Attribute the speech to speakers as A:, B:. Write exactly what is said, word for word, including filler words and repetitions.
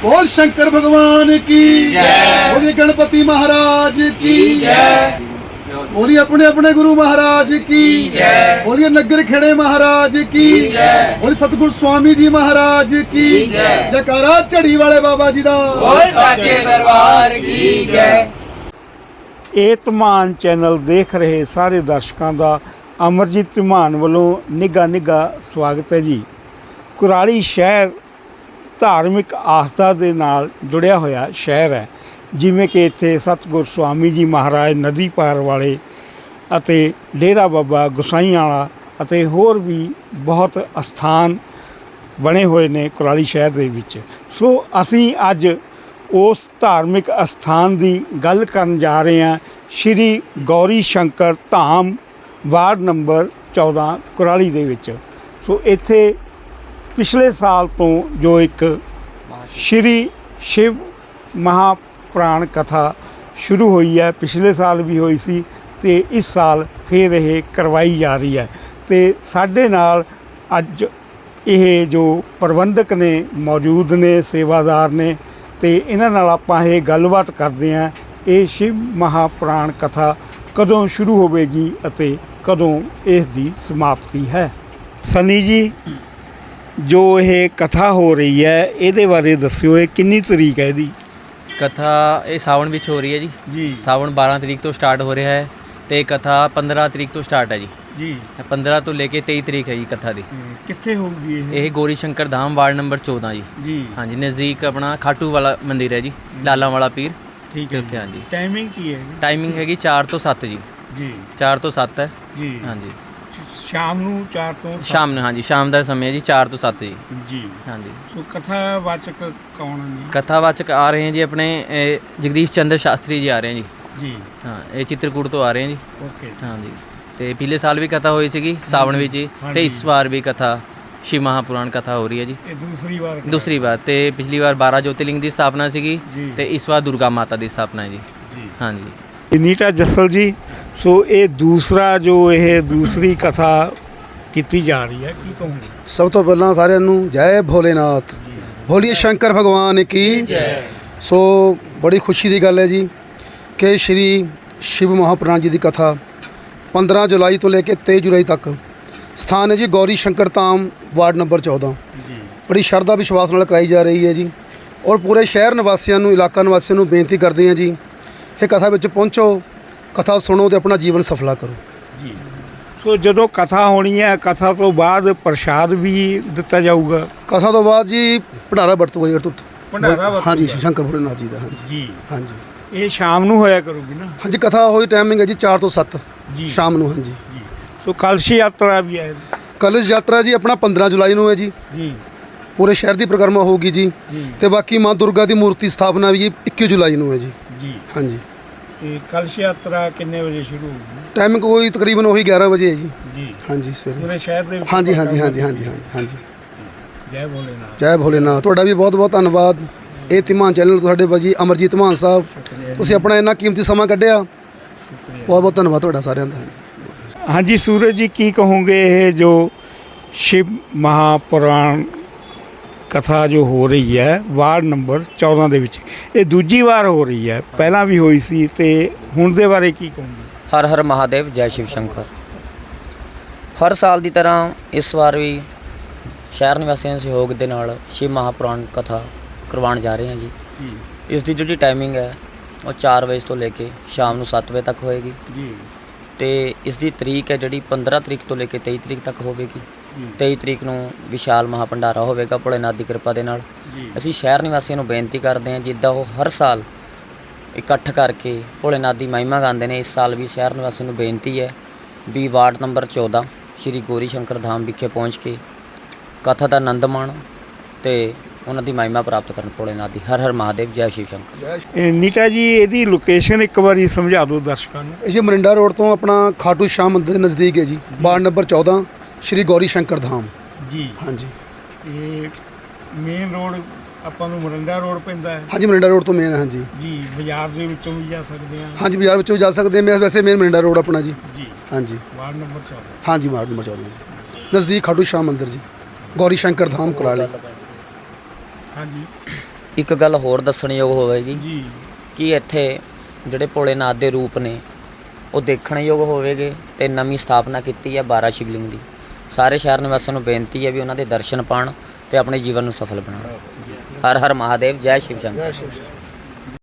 A: बोल शंकर भगवान की जय, बोलिए गणपति महाराज की जय, बोलिए अपने अपने गुरु महाराज की जय, बोलिए नगर खेड़े महाराज की जय, बोलिए सतगुरु स्वामी जी महाराज की जय, जयकारा झड़ी वाले बाबा जी दा, बोल साचे दरबार की जय।
B: ਇਹ ਧਮਾਨ ਚੈਨਲ ਦੇਖ ਰਹੇ ਸਾਰੇ ਦਰਸ਼ਕਾਂ ਦਾ ਅਮਰਜੀਤ ਧਮਾਨ ਵੱਲੋਂ ਨਿੱਘਾ ਨਿੱਘਾ ਸਵਾਗਤ ਹੈ ਜੀ। ਕੁਰਾਲੀ ਸ਼ਹਿਰ ਧਾਰਮਿਕ ਆਸਥਾ ਦੇ ਨਾਲ ਜੁੜਿਆ ਹੋਇਆ ਸ਼ਹਿਰ ਹੈ, ਜਿਵੇਂ ਕਿ ਇੱਥੇ ਸਤਿਗੁਰ ਸਵਾਮੀ ਜੀ ਮਹਾਰਾਜ ਨਦੀ ਪਾਰ ਵਾਲੇ ਅਤੇ ਡੇਰਾ ਬਾਬਾ ਗੁਸਾਈਂ ਵਾਲਾ ਅਤੇ ਹੋਰ ਵੀ ਬਹੁਤ ਅਸਥਾਨ ਬਣੇ ਹੋਏ ਨੇ ਕੁਰਾਲੀ ਸ਼ਹਿਰ ਦੇ ਵਿੱਚ। ਸੋ ਅਸੀਂ ਅੱਜ ਉਸ ਧਾਰਮਿਕ ਅਸਥਾਨ ਦੀ ਗੱਲ ਕਰਨ ਜਾ ਰਹੇ ਹਾਂ, ਸ਼੍ਰੀ ਗੌਰੀ ਸ਼ੰਕਰ ਧਾਮ ਵਾਰਡ ਨੰਬਰ ਚੌਦਾਂ ਕੁਰਾਲੀ ਦੇ ਵਿੱਚ। ਸੋ ਇੱਥੇ ਪਿਛਲੇ ਸਾਲ ਤੋਂ ਜੋ ਇੱਕ ਸ਼੍ਰੀ ਸ਼ਿਵ ਮਹਾਪੁਰਾਣ ਕਥਾ ਸ਼ੁਰੂ ਹੋਈ ਹੈ, ਪਿਛਲੇ ਸਾਲ ਵੀ ਹੋਈ ਸੀ ਅਤੇ ਇਸ ਸਾਲ ਫਿਰ ਇਹ ਕਰਵਾਈ ਜਾ ਰਹੀ ਹੈ। ਅਤੇ ਸਾਡੇ ਨਾਲ ਅੱਜ ਇਹ ਜੋ ਪ੍ਰਬੰਧਕ ਨੇ ਮੌਜੂਦ ਨੇ, ਸੇਵਾਦਾਰ ਨੇ, ਅਤੇ ਇਹਨਾਂ ਨਾਲ ਆਪਾਂ ਇਹ ਗੱਲਬਾਤ ਕਰਦੇ ਹਾਂ ਇਹ ਸ਼ਿਵ ਮਹਾਪੁਰਾਣ ਕਥਾ ਕਦੋਂ ਸ਼ੁਰੂ ਹੋਵੇਗੀ ਅਤੇ ਕਦੋਂ ਇਸ ਦੀ ਸਮਾਪਤੀ ਹੈ। ਸਨੀ ਜੀ, ਜੋ ਇਹ ਕਥਾ ਹੋ ਰਹੀ ਹੈ ਇਹਦੇ ਬਾਰੇ ਦੱਸਿਓ, ਇਹ ਕਿੰਨੀ ਤਰੀਕ ਹੈ ਇਹਦੀ?
C: ਕਥਾ ਇਹ ਸਾਵਣ ਵਿੱਚ ਹੋ ਰਹੀ ਹੈ ਜੀ
B: ਜੀ।
C: ਸਾਵਣ ਬਾਰਾਂ ਤਰੀਕ ਤੋਂ ਸਟਾਰਟ ਹੋ ਰਿਹਾ ਹੈ ਅਤੇ ਕਥਾ ਪੰਦਰਾਂ ਤਰੀਕ ਤੋਂ ਸਟਾਰਟ ਹੈ ਜੀ।
B: ਜੀ
C: ਪੰਦਰਾਂ ਤੋਂ ਲੈ ਕੇ ਤੇਈ ਤਰੀਕ ਹੈ ਜੀ ਕਥਾ ਦੀ।
B: ਕਿੱਥੇ ਹੋਊਗੀ ਇਹ?
C: ਇਹ ਗੋਰੀ ਸ਼ੰਕਰ ਧਾਮ ਵਾਰਡ ਨੰਬਰ ਚੌਦਾਂ ਜੀ।
B: ਜੀ
C: ਹਾਂਜੀ, ਨਜ਼ਦੀਕ ਆਪਣਾ ਖਾਟੂ ਵਾਲਾ ਮੰਦਿਰ ਹੈ ਜੀ, ਲਾਲਾਂ ਵਾਲਾ ਪੀਰ।
B: ਠੀਕ ਹੈ
C: ਉੱਥੇ ਹਾਂਜੀ।
B: ਟਾਈਮਿੰਗ ਕੀ ਹੈ?
C: ਟਾਈਮਿੰਗ ਹੈਗੀ ਚਾਰ ਤੋਂ ਸੱਤ ਜੀ।
B: ਜੀ
C: ਚਾਰ ਤੋਂ ਸੱਤ ਹੈ
B: ਜੀ।
C: ਹਾਂਜੀ,
B: ਸ਼ਾਮ ਨੂੰ ਚਾਰ ਤੋਂ ਸੱਤ?
C: ਸ਼ਾਮ ਨੂੰ ਹਾਂਜੀ, ਸ਼ਾਮ ਦਾ ਸਮੇਂ ਹੈ ਜੀ, ਚਾਰ ਤੋਂ ਸੱਤ ਜੀ।
B: ਜੀ
C: ਹਾਂਜੀ।
B: ਸੋ ਕਥਾਵਾਚਕ ਕੌਣ ਨੇ?
C: ਕਥਾਵਾਚਕ ਆ ਰਹੇ ਹੈ ਜੀ ਆਪਣੇ ਇਹ ਜਗਦੀਸ਼ ਚੰਦਰ ਸ਼ਾਸਤਰੀ ਜੀ ਆ ਰਹੇ ਹੈ ਜੀ।
B: ਜੀ
C: ਹਾਂ, ਇਹ ਚਿੱਤਰਕੂਟ ਤੋਂ ਆ ਰਹੇ ਹੈ ਜੀ।
B: ਓਕੇ।
C: ਹਾਂਜੀ, ਤੇ ਪਿਛਲੇ ਸਾਲ ਵੀ ਕਥਾ ਹੋਈ ਸੀਗੀ ਸਾਵਣ ਵਿੱਚ ਹੀ, ਤੇ ਇਸ ਵਾਰ ਵੀ ਕਥਾ ਸ਼ਿਵ ਮਹਾਪੁਰਾਣ ਕਥਾ ਹੋ ਰਹੀ ਹੈ ਜੀ।
B: ਇਹ ਦੂਸਰੀ ਵਾਰ?
C: ਦੂਸਰੀ ਵਾਰ। ਤੇ ਪਿਛਲੀ ਵਾਰ ਬਾਰਾਂ ਜੋਤਿਰਲਿੰਗ ਦੀ ਸਥਾਪਨਾ ਸੀਗੀ
B: ਜੀ।
C: ਤੇ ਇਸ ਵਾਰ ਦੁਰਗਾ ਮਾਤਾ ਦੀ ਸਥਾਪਨਾ ਹੈ ਜੀ।
B: ਜੀ
C: ਹਾਂਜੀ।
B: ਨੀਟਾ ਜੱਸਲ ਜੀ, ਸੋ ਇਹ ਦੂਸਰਾ ਜੋ ਇਹ ਦੂਸਰੀ ਕਥਾ ਕੀਤੀ ਜਾ ਰਹੀ ਹੈ, ਕੀ ਕਹੋਗੇ?
A: ਸਭ ਤੋਂ ਪਹਿਲਾਂ ਸਾਰਿਆਂ ਨੂੰ ਜੈ ਭੋਲੇਨਾਥ, ਬੋਲੀਏ ਸ਼ੰਕਰ ਭਗਵਾਨ ਕੀ ਜੈ। ਸੋ ਬੜੀ ਖੁਸ਼ੀ ਦੀ ਗੱਲ ਹੈ ਜੀ ਕਿ ਸ਼੍ਰੀ ਸ਼ਿਵ ਮਹਾਪੁਰਾਣ ਜੀ ਦੀ ਕਥਾ ਪੰਦਰਾਂ ਜੁਲਾਈ ਤੋਂ ਲੈ ਕੇ ਤੇਈ ਜੁਲਾਈ ਤੱਕ ਸਥਾਨ ਹੈ ਜੀ ਗੌਰੀ ਸ਼ੰਕਰ ਧਾਮ ਵਾਰਡ ਨੰਬਰ ਚੌਦਾਂ। ਬੜੀ ਸ਼ਰਧਾ ਵਿਸ਼ਵਾਸ ਨਾਲ ਕਰਾਈ ਜਾ ਰਹੀ ਹੈ ਜੀ, ਔਰ ਪੂਰੇ ਸ਼ਹਿਰ ਨਿਵਾਸੀਆਂ ਨੂੰ, ਇਲਾਕਾ ਨਿਵਾਸੀਆਂ ਨੂੰ ਬੇਨਤੀ ਕਰਦੇ ਹਾਂ ਜੀ, ਇਹ ਕਥਾ ਵਿੱਚ ਪਹੁੰਚੋ, ਕਥਾ ਸੁਣੋ ਅਤੇ ਆਪਣਾ ਜੀਵਨ ਸਫਲਾ ਕਰੋ
B: ਜੀ। ਸੋ ਜਦੋਂ ਕਥਾ ਹੋਣੀ ਹੈ, ਕਥਾ ਤੋਂ ਬਾਅਦ ਪ੍ਰਸ਼ਾਦ ਵੀ ਦਿੱਤਾ ਜਾਊਗਾ?
A: ਕਥਾ ਤੋਂ ਬਾਅਦ ਜੀ ਭੰਡਾਰਾ ਵਰਤੂਗਾ ਜੀ।
B: ਭੰਡਾਰਾ ਵਰਤੂਗਾ?
A: ਹਾਂਜੀ, ਸ਼ੰਕਰ ਭੋਲੇਨਾਥ ਜੀ ਦਾ। ਹਾਂਜੀ
B: ਜੀ
A: ਹਾਂਜੀ।
B: ਇਹ ਸ਼ਾਮ ਨੂੰ ਹੋਇਆ ਕਰੂਗੀ ਨਾ?
A: ਹਾਂਜੀ, ਕਥਾ ਹੋਈ ਟਾਈਮਿੰਗ ਹੈ ਜੀ ਚਾਰ ਤੋਂ ਸੱਤ
B: ਜੀ
A: ਸ਼ਾਮ ਨੂੰ। ਹਾਂਜੀ
B: ਜੀ। ਸੋ ਕਲਸ਼ ਯਾਤਰਾ ਵੀ ਹੈ?
A: ਕਲਸ਼ ਯਾਤਰਾ ਜੀ ਆਪਣਾ ਪੰਦਰਾਂ ਜੁਲਾਈ ਨੂੰ ਹੈ ਜੀ।
B: ਜੀ
A: ਪੂਰੇ ਸ਼ਹਿਰ ਦੀ ਪਰਿਕਰਮਾ ਹੋਊਗੀ ਜੀ।
B: ਜੀ।
A: ਤੇ ਬਾਕੀ ਮਾਂ ਦੁਰਗਾ ਦੀ ਮੂਰਤੀ ਸਥਾਪਨਾ ਵੀ ਇੱਕੀ ਜੁਲਾਈ ਨੂੰ ਹੈ ਜੀ।
B: ਜੀ
A: ਹਾਂਜੀ।
B: ਤੇ ਕਲਸ਼ ਯਾਤਰਾ ਕਿੰਨੇ ਵਜੇ ਸ਼ੁਰੂ ਹੋਊਗੀ?
A: ਟਾਈਮਿੰਗ ਕੋਈ ਤਕਰੀਬਨ ਉਹੀ ਗਿਆਰਾਂ ਵਜੇ ਹੈ ਜੀ।
B: ਜੀ
A: ਹਾਂਜੀ, ਸਵੇਰੇ।
B: ਪੂਰੇ ਸ਼ਹਿਰ ਦੇ ਵਿੱਚ?
A: ਹਾਂਜੀ ਹਾਂਜੀ ਹਾਂਜੀ ਹਾਂਜੀ ਹਾਂਜੀ ਹਾਂਜੀ।
B: ਜੈ ਭੋਲੇਨਾਥ।
A: ਜੈ ਭੋਲੇਨਾਥ। ਤੁਹਾਡਾ ਵੀ ਬਹੁਤ ਬਹੁਤ ਧੰਨਵਾਦ। ਇਹ ਧਮਾਨ ਚੈਨਲ ਤੁਹਾਡੇ ਬਾਜੀ ਅਮਰਜੀਤ ਧਮਾਨ ਸਾਹਿਬ, ਤੁਸੀਂ ਆਪਣਾ ਇੰਨਾ ਕੀਮਤੀ ਸਮਾਂ ਕੱਢਿਆ, ਬਹੁਤ ਬਹੁਤ ਧੰਨਵਾਦ ਤੁਹਾਡਾ ਸਾਰਿਆਂ ਦਾ। ਹਾਂਜੀ
B: ਹਾਂਜੀ ਸੂਰਜ ਜੀ, ਕੀ ਕਹੋਗੇ ਇਹ ਜੋ ਸ਼ਿਵ ਮਹਾਪੁਰਾਣ ਕਥਾ ਜੋ ਹੋ ਰਹੀ ਹੈ ਵਾਰਡ ਨੰਬਰ ਚੌਦਾਂ ਦੇ ਵਿੱਚ, ਇਹ ਦੂਜੀ ਵਾਰ ਹੋ ਰਹੀ ਹੈ, ਪਹਿਲਾਂ ਵੀ ਹੋਈ ਸੀ, ਅਤੇ ਹੁਣ ਦੇ ਬਾਰੇ ਕੀ ਕਹੋਗੇ?
D: ਹਰ ਹਰ ਮਹਾਦੇਵ, ਜੈ ਸ਼ਿਵ ਸ਼ੰਕਰ। ਹਰ ਸਾਲ ਦੀ ਤਰ੍ਹਾਂ ਇਸ ਵਾਰ ਵੀ ਸ਼ਹਿਰ ਨਿਵਾਸੀਆਂ ਦੇ ਸਹਿਯੋਗ ਦੇ ਨਾਲ ਸ਼ਿਵ ਮਹਾਪੁਰਾਣ ਕਥਾ ਕਰਵਾਉਣ ਜਾ ਰਹੇ ਹਾਂ ਜੀ। ਇਸ ਦੀ ਜਿਹੜੀ ਟਾਈਮਿੰਗ ਹੈ ਉਹ ਚਾਰ ਵਜੇ ਤੋਂ ਲੈ ਕੇ ਸ਼ਾਮ ਨੂੰ ਸੱਤ ਵਜੇ ਤੱਕ ਹੋਏਗੀ
B: ਜੀ।
D: ਅਤੇ ਇਸ ਦੀ ਤਰੀਕ ਹੈ ਜਿਹੜੀ ਪੰਦਰਾਂ ਤਰੀਕ ਤੋਂ ਲੈ ਕੇ ਤੇਈ ਤਰੀਕ ਤੱਕ ਹੋਵੇਗੀ। ਤੇਈ ਤਰੀਕ ਨੂੰ ਵਿਸ਼ਾਲ ਮਹਾਭੰਡਾਰਾ ਹੋਵੇਗਾ ਭੋਲੇਨਾਥ ਦੀ ਕਿਰਪਾ ਦੇ ਨਾਲ। ਅਸੀਂ ਸ਼ਹਿਰ ਨਿਵਾਸੀਆਂ ਨੂੰ ਬੇਨਤੀ ਕਰਦੇ ਹਾਂ, ਜਿੱਦਾਂ ਉਹ ਹਰ ਸਾਲ ਇਕੱਠ ਕਰਕੇ ਭੋਲੇਨਾਥ ਦੀ ਮਹਿਮਾ ਗਾਉਂਦੇ ਨੇ, ਇਸ ਸਾਲ ਵੀ ਸ਼ਹਿਰ ਨਿਵਾਸੀਆਂ ਨੂੰ ਬੇਨਤੀ ਹੈ ਵੀ ਵਾਰਡ ਨੰਬਰ ਚੌਦਾਂ ਸ਼੍ਰੀ ਗੌਰੀ ਸ਼ੰਕਰ ਧਾਮ ਵਿਖੇ ਪਹੁੰਚ ਕੇ ਕਥਾ ਦਾ ਆਨੰਦ ਮਾਣੋ ਅਤੇ ਉਹਨਾਂ ਦੀ ਮਹਿਮਾ ਪ੍ਰਾਪਤ ਕਰਨ ਭੋਲੇਨਾਥ ਦੀ। ਹਰ ਹਰ ਮਹਾਦੇਵ, ਜੈ ਸ਼ਿਵ ਸ਼ੰਕਰ।
B: ਇਹ ਨੀਟਾ ਜੀ, ਇਹਦੀ ਲੋਕੇਸ਼ਨ ਇੱਕ ਵਾਰੀ ਸਮਝਾ ਦਿਓ ਦਰਸ਼ਕਾਂ ਨੂੰ।
A: ਇਹ ਜੀ ਮਰਿੰਡਾ ਰੋਡ ਤੋਂ ਆਪਣਾ ਖਾਟੂ ਸ਼ਾਮ ਮੰਦਿਰ ਦੇ ਨਜ਼ਦੀਕ ਹੈ ਜੀ, ਵਾਰਡ ਨੰਬਰ ਚੌਦਾਂ ਸ਼੍ਰੀ ਗੌਰੀ ਸ਼ੰਕਰ ਧਾਮ।
B: ਜੀ
A: ਹਾਂਜੀ।
B: ਇਹ ਮੇਨ ਰੋਡ ਆਪਾਂ ਨੂੰ ਮਰਿੰਡਾ ਰੋਡ ਪੈਂਦਾ ਹੈ?
A: ਹਾਂਜੀ, ਮਰਿੰਡਾ ਰੋਡ ਤੋਂ ਮੇਨ। ਹਾਂਜੀ
B: ਜੀ। ਬਾਜ਼ਾਰ ਦੇ ਵਿੱਚੋਂ ਵੀ ਜਾ ਸਕਦੇ ਹਾਂ?
A: ਹਾਂਜੀ, ਬਾਜ਼ਾਰ ਵਿੱਚੋਂ ਵੀ ਜਾ ਸਕਦੇ ਹਾਂ। ਵੈਸੇ ਮੇਨ ਮਰਿੰਡਾ ਰੋਡ ਆਪਣਾ ਜੀ।
B: ਜੀ।
A: ਹਾਂਜੀ।
B: ਵਾਰਡ ਨੰਬਰ ਚੌਦਾਂ?
A: ਹਾਂਜੀ, ਵਾਰਡ ਨੰਬਰ ਚੌਦਾਂ ਨਜ਼ਦੀਕ ਖਾਟੂ ਸ਼ਾਮ ਮੰਦਿਰ ਜੀ, ਗੌਰੀ ਸ਼ੰਕਰ ਧਾਮ ਕੁਰਾਲੀ।
B: ਹਾਂਜੀ
D: ਇੱਕ ਗੱਲ ਹੋਰ ਦੱਸਣਯੋਗ ਹੋਵੇਗੀ
B: ਜੀ
D: ਕਿ ਇੱਥੇ ਜਿਹੜੇ ਭੋਲੇਨਾਥ ਦੇ ਰੂਪ ਨੇ ਉਹ ਦੇਖਣਯੋਗ ਹੋਵੇਗੇ ਤੇ ਨਵੀਂ ਸਥਾਪਨਾ ਕੀਤੀ ਹੈ ਬਾਰਾਂ ਸ਼ਿਵਲਿੰਗ ਦੀ। ਸਾਰੇ ਸ਼ਹਿਰ ਨਿਵਾਸੀਆਂ ਨੂੰ ਬੇਨਤੀ ਹੈ ਵੀ ਉਹਨਾਂ ਦੇ ਦਰਸ਼ਨ ਪਾਣ ਤੇ ਆਪਣੇ ਜੀਵਨ ਨੂੰ ਸਫਲ ਬਣਾਉਣ। ਹਰ ਹਰ ਮਹਾਦੇਵ, ਜੈ ਸ਼ਿਵ ਸ਼ੰਕਰ।
A: ਜੈ ਸ਼ਿਵ ਸ਼ੰਕਰ।